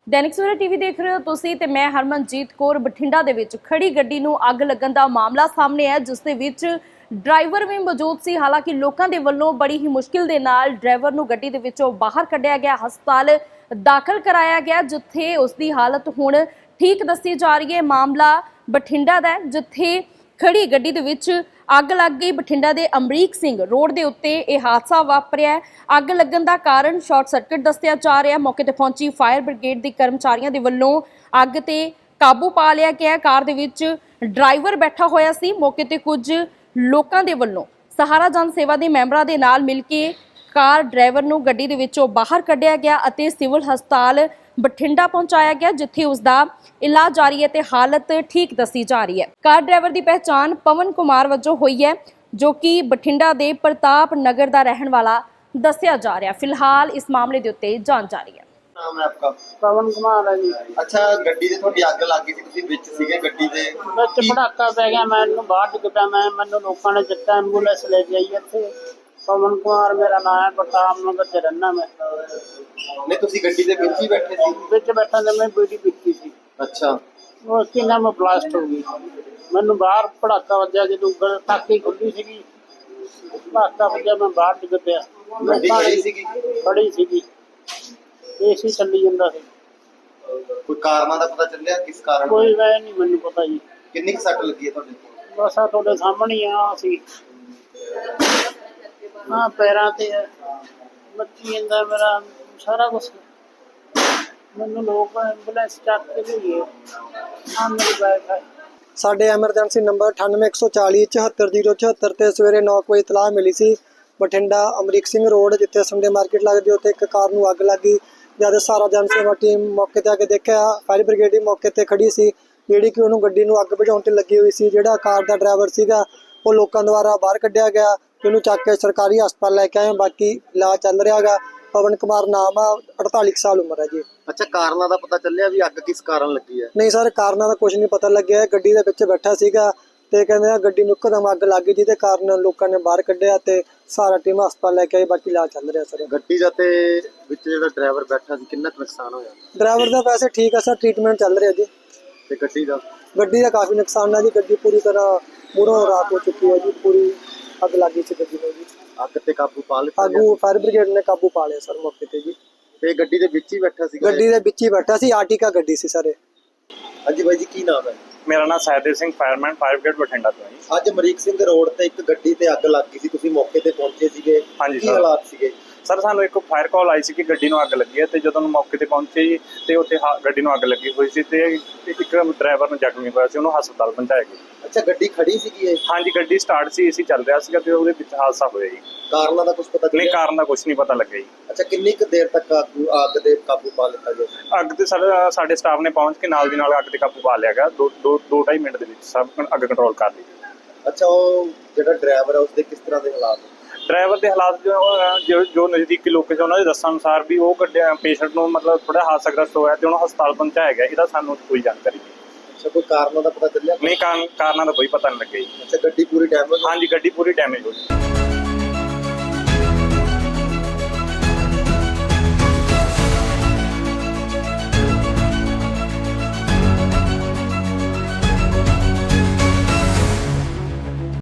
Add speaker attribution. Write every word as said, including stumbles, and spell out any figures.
Speaker 1: दैनिक सवेरा टीवी देख रहे हो तुसी ते मैं हरमनजीत कौर। बठिंडा दे विच खड़ी गड्डी नूं अग लगन दा मामला सामने है, जिस दे विच ड्राइवर भी मौजूद सी। हालांकि लोकां दे वल्लों बड़ी ही मुश्किल दे नाल ड्राइवर नूं गड्डी दे विचों बाहर कढ़िया गया, हस्पताल दाखल कराया गया, जिथे उसकी हालत हुण ठीक दसी जा रही है। मामला बठिंडा दा है, जिथे खड़ी गड्डी दे विच अग लग गई। बठिंडा के अमरीक सिंह रोड के उत्ते यह हादसा वापरिया है। अग लगन का कारण शॉर्ट सर्किट दसिया जा रहा है। मौके ते पहुंची फायर ब्रिगेड के कर्मचारियों के वल्लों अग ते काबू पा लिया गया। कार दे विच ड्राइवर बैठा होया सी। मौके ते कुछ लोकां दे वल्लों सहारा जन सेवा के मैंबरां दे नाल मिल के कार ड्राइवर नूं गड्डी दे विचों बाहर कढ़िया गया अते सिविल हस्पताल बठिंडा पहुंचाया गया, जिथे उसका इलाज जारी है ते हालत ठीक दसी जा रही है। कार ड्राइवर की पहचान पवन कुमार वजों हुई है, जो कि बठिंडा के प्रताप नगर का रहने वाला दसिया जा रहा है। फिलहाल इस मामले के उत्ते जांच जारी है।
Speaker 2: नाम है आपका?
Speaker 3: पवन कुमार है जी।
Speaker 2: अच्छा, गड्डी ते थोड़ी अग लग गई सी, तुसीं विच सीगे गड्डी दे?
Speaker 3: विच पटाका पै गया, मैनूं बाहर डिग पिया। मैं मैनूं लोकां ने चक्का, एंबूलेंस ले गई इत्थे। पवन कुमार मेरा नाम है, प्रताप नगर च रहना मैं।
Speaker 2: नहीं, तुसीं गड्डी दे विच ही बैठे सी?
Speaker 3: विच बैठा ते मैं बीड़ी पीती सी।
Speaker 2: अच्छा,
Speaker 3: वो उसकी ना मैं ब्लास्ट हो गई। मैनूं बाहर पटाका वज्या, जदों टाकी खुली सीगी, पटाका वज्या, मैं बाहर डिग पिया।
Speaker 2: गड्डी खड़ी सीगी?
Speaker 3: खड़ी सीगी, एसी चली जांदा सी।
Speaker 2: कोई कारणा दा पता चलिया किस कारण?
Speaker 3: कोई वै नहीं मैनूं पता जी।
Speaker 2: किन्नी क सट लगी है तुहाडे?
Speaker 3: बस आ तुहाडे सामने ही आ सी। हाँ, पैरां ते मच्छी जांदा मेरा सारा कुछ। मैनूं लोग एंबूलेंस चक के लिए आ मेरी बाइक है।
Speaker 4: ਸਾਡੇ ਐਮਰਜੈਂਸੀ ਨੰਬਰ ਅਠਾਨਵੇਂ ਇੱਕ ਸੌ ਚਾਲੀ ਚੁਹੱਤਰ ਜ਼ੀਰੋ ਚੁਹੱਤਰ ਤੇ ਸਵੇਰੇ ਨੌ ਵਜੇ ਇਤਲਾਹ ਮਿਲੀ ਸੀ। ਬਠਿੰਡਾ ਅਮਰੀਕ ਸਿੰਘ ਰੋਡ, ਜਿੱਥੇ ਸੰਡੇ ਮਾਰਕੀਟ ਲੱਗਦੀ, ਉੱਥੇ ਇੱਕ ਕਾਰ ਨੂੰ ਅੱਗ ਲੱਗ ਗਈ। ਜਦ ਸਾਰਾ ਜਨ ਸੇਵਾ ਟੀਮ ਮੌਕੇ ਤੇ ਆ ਕੇ ਦੇਖਿਆ, ਫਾਇਰ ਬ੍ਰਿਗੇਡ ਵੀ ਮੌਕੇ ਤੇ ਖੜੀ ਸੀ, ਜਿਹੜੀ ਕਿ ਉਹਨੂੰ ਗੱਡੀ ਨੂੰ ਅੱਗ ਬੁਝਾਉਣ ਤੇ ਲੱਗੀ ਹੋਈ ਸੀ। ਜਿਹੜਾ ਕਾਰ ਦਾ ਡਰਾਈਵਰ ਸੀਗਾ ਉਹ ਲੋਕਾਂ ਦੁਆਰਾ ਬਾਹਰ ਕੱਢਿਆ ਗਿਆ। ਉਹਨੂੰ ਚੱਕ ਕੇ ਸਰਕਾਰੀ ਹਸਪਤਾਲ ਲੈ ਕੇ ਆਏ। ਬਾਕੀ ਇਲਾਜ ਚੱਲ ਰਿਹਾ ਗਾ। पवन कुमार नाम आ, अड़ताली साल उम्र है जी।
Speaker 2: अच्छा, कारणा दा पता चलिया भी अग किस कारण लगी है?
Speaker 4: नहीं सर, कारणा दा कुछ नहीं पता लग्या। गड्डी दे विच बैठा सीगा ते कहंदे गड्डी नूं इकदम अग लग गई, जिहदे कारण लोकां ने बाहर कढिया ते सारा टीम हस्पताल लेके आई। बाकी इलाज चल रहा सर।
Speaker 2: गड्डी दा ते विच जिहड़ा ड्राइवर बैठा सी, किन्ना नुकसान होया?
Speaker 4: ड्राइवर दा वैसे ठीक है सर, ट्रीटमेंट चल रहा जी।
Speaker 2: ते गड्डी दा?
Speaker 4: गड्डी दा काफ़ी नुकसान है जी। गड्डी पूरी तरह मूहरों राख हो चुकी है जी। पूरी अग लग गई सी गड्डी नूं जी।
Speaker 2: अग ते काबू पा लिया?
Speaker 4: आगू फायर ब्रिगेड ने काबू पा लिया सर मौके ते जी।
Speaker 2: ते गड्डी दे विच ही बैठा सी?
Speaker 4: गड्डी दे विच ही बैठा सी, आर्टिका गड्डी सी सर।
Speaker 2: हाँ जी भाई जी, की नाम है?
Speaker 5: मेरा नाम Sahdev Singh, fireman, fire brigade Bathinda तो है।
Speaker 2: ਅੱਜ ਅਮਰੀਕ ਸਿੰਘ ਰੋਡ ਤੇ ਇੱਕ ਗੱਡੀ ਤੇ ਅੱਗ ਲੱਗ ਗਈ ਸੀ, ਤੁਸੀਂ ਮੌਕੇ ਤੇ ਪਹੁੰਚੇ ਸੀਗੇ?
Speaker 5: ਹਾਂਜੀ
Speaker 2: ਕੀ
Speaker 5: ਸਰ।
Speaker 2: ਹਾਲਾਤ ਸੀਗੇ?
Speaker 5: ਸਰ, ਸਾਨੂੰ ਇੱਕ ਫਾਇਰ ਕਾਲ ਆਈ ਸੀ ਕਿ ਗੱਡੀ ਨੂੰ ਅੱਗ ਲੱਗੀ ਹੈ, ਤੇ ਜਦੋਂ ਮੌਕੇ ਤੇ ਪਹੁੰਚੇ ਜੀ ਤੇ ਉੱਥੇ ਹਾ- ਗੱਡੀ ਨੂੰ ਅੱਗ ਲੱਗੀ ਹੋਈ ਸੀ ਤੇ ਇੱਕ ਡਰਾਈਵਰ ਨੂੰ ਜ਼ਖਮੀ ਹੋਇਆ ਸੀ, ਉਹਨੂੰ ਹਸਪਤਾਲ ਪਹੁੰਚਾਇਆ ਗਿਆ।
Speaker 2: ਅੱਛਾ, ਗੱਡੀ ਖੜੀ ਸੀਗੀ ਇਹ?
Speaker 5: ਹਾਂਜੀ, ਗੱਡੀ ਸਟਾਰਟ ਸੀ, ਏਸੀ ਚੱਲ ਰਿਹਾ ਸੀਗਾ ਤੇ ਉਹਦੇ ਵਿੱਚ ਹਾਦਸਾ ਹੋਇਆ ਜੀ।
Speaker 2: ਕਾਰਨਾਂ ਦਾ ਕੁਝ ਪਤਾ
Speaker 5: ਨਹੀਂ,
Speaker 2: ਚੱਲਿਆ?
Speaker 5: ਕਾਰਨ ਦਾ ਕੁਝ ਨਹੀਂ ਪਤਾ ਲੱਗਿਆ ਜੀ।
Speaker 2: ਅੱਛਾ, ਕਿੰਨੀ ਕੁ ਦੇਰ ਤੱਕ ਆਗੂ ਅੱਗ ਦੇ ਕਾਬੂ ਪਾ ਲਿੱਤਾ ਗਿਆ?
Speaker 5: ਅੱਗ ਤੇ ਸਰ ਸਾਡੇ ਸਟਾਫ ਨੇ ਪਹੁੰਚ ਕੇ ਨਾਲ ਦੀ ਨਾਲ ਅੱਗ ਤੇ ਕਾਬੂ ਪਾ ਲਿਆ ਗਿਆ। ਦੋ ਦੋ ਦੋ ਢਾਈ ਮਿੰਟ ਦੇ ਵਿੱਚ ਸਭ ਅੱਗ ਕੰਟਰੋਲ ਕਰ ਲਈ।
Speaker 2: ਅੱਛਾ, ਉਹ ਜਿਹੜਾ ਡਰਾਈਵਰ ਹੈ ਉਸਦੇ ਕਿਸ ਤਰ੍ਹਾਂ ਦੇ ਹਾਲਾਤ?
Speaker 5: ਡਰਾਈਵਰ ਦੇ ਹਾਲਾਤ ਜੋ ਜੋ- ਜੋ ਨਜ਼ਦੀਕੀ ਲੋਕ ਸੀ ਉਹਨਾਂ ਦੇ ਦੱਸਣ ਅਨੁਸਾਰ ਵੀ ਉਹ ਗੱਡੀ ਪੇਸ਼ੈਂਟ ਨੂੰ ਮਤਲਬ ਥੋੜਾ ਹਾਦਸਾਗ੍ਰਸਤ ਹੋਇਆ ਤੇ ਉਹਨੂੰ ਹਸਪਤਾਲ ਪਹੁੰਚਾਇਆ ਗਿਆ। ਇਹਦਾ ਸਾਨੂੰ ਕੋਈ ਜਾਣਕਾਰੀ ਨਹੀਂ।
Speaker 2: ਅੱਛਾ, ਕੋਈ ਕਾਰਨਾਂ ਦਾ ਪਤਾ ਚੱਲਿਆ?
Speaker 5: ਨਹੀਂ, ਕਾਰਨ ਕਾਰਨਾਂ ਦਾ ਕੋਈ ਪਤਾ ਨਹੀਂ ਲੱਗਿਆ ਜੀ।
Speaker 2: ਅੱਛਾ, ਗੱਡੀ ਪੂਰੀ ਡੈਮੇਜ?
Speaker 5: ਹਾਂਜੀ, ਗੱਡੀ ਪੂਰੀ ਡੈਮੇਜ ਹੋ ਗਈ।